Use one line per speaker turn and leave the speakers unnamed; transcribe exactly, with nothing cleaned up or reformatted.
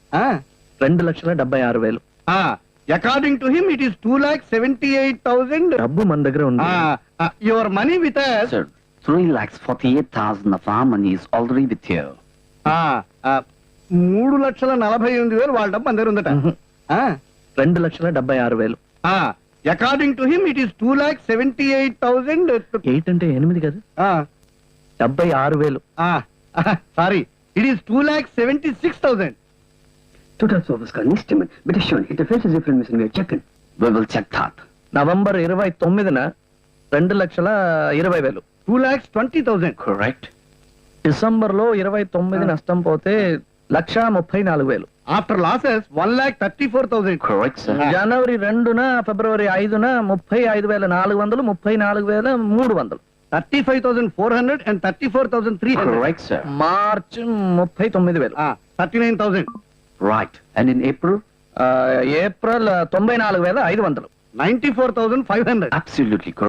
రెండు లక్షల డెబ్బై ఆరు వేలు.
According to him it is two lakh seventy eight thousand.
డబ్బు మన దగ్గర ఉంది.
Your money with
Sir, three lakhs forty-eight thousand of our money is already with you.
మూడు లక్షల నలభై ఎనిమిది వేలు వాళ్ళ డబ్బు మన దగ్గర ఉందట.
రెండు లక్షల డెబ్బై ఆరు వేలు.
According to him it is two lakh seventy eight thousand.
Eight అంటే ఎనిమిది కదా, డెబ్బై ఆరు వేలు.
Sorry, it is two lakh seventy six thousand.
Total service का estimate, but it's shown interference is different, Mister Mayor. Check it.
We will check that.
November ఇరవై తొమ్మిదిన రెండు లక్షల ఇరవై వేలు.
Two lakhs twenty thousand.
Correct.
December లో ఇరవై తొమ్మిది నష్టం పోతే లక్ష ముప్పై నాలుగు వేలు.
After losses one lakh thirty four thousand.
Correct, sir.
జనవరి రెండున ఫిబ్రవరి ఐదున ముప్పై ఐదు వేల నాలుగు వందలు ముప్పై నాలుగు వేల మూడు వందలు.
Thirty five thousand four hundred and thirty four thousand three hundred.
Correct, sir.
March ముప్పై తొమ్మిది వేలు.
Thirty nine thousand.
Right. And in April?
April తొంభై నాలుగు వేల ఐదు వందలు.
Ninety four thousand five hundred.
Absolutely correct.